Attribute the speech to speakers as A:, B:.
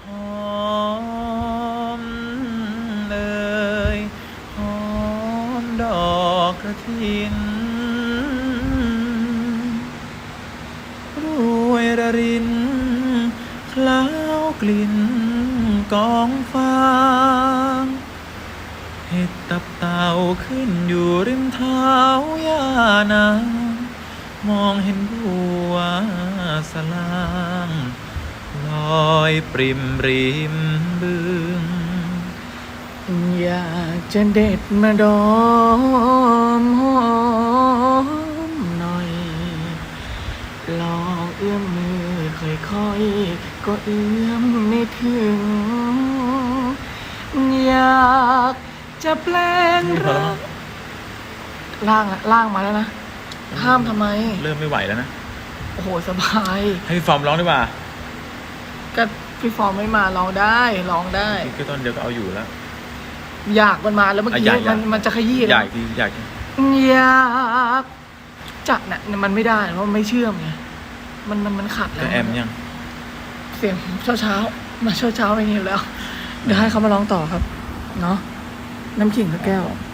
A: อมเลยหอมดอกกระถินรวยระรินคล้าวกลิ่นกองฟางเห็ดตับเต่าขึ้นอยู่ริมเท้าย่านางมองเห็นบัวสลางลอยปริมริมบึง
B: อยากจะเด็ดมาดมหอมหน่อยลองเอื้อมมือค่อยๆก็เอื้อมไม่ถึงอยากจะแปลงร่างมาแล้วนะห้ามทำไม
A: เริ่มไม่ไหวแล้วนะ
B: โอ้โหสบาย
A: ให้พี่ฟอร์มร้องดีกว่า
B: ก็พี่ฟอร์มไม่มาร้องได้
A: พี่ต้นเดียวก็เอาอยู่แล้ว
B: อยากมันมาแล้วเมื่อกี้
A: อยาก
B: มันจะขยี้
A: อ
B: แล้
A: ยาว กทีอยาก
B: อยากจัดน่ะมันไม่ได้เพราะมันไม่เชื่อมไงมันขัดแล้
A: ก็
B: ว
A: แอมยัง
B: เสียงเช้ามาเช้าอย่างนี้อยู่แล้ว เดี๋ยวให้เขามาร้องต่อครับเนาะน้ำขิงสักแก้ว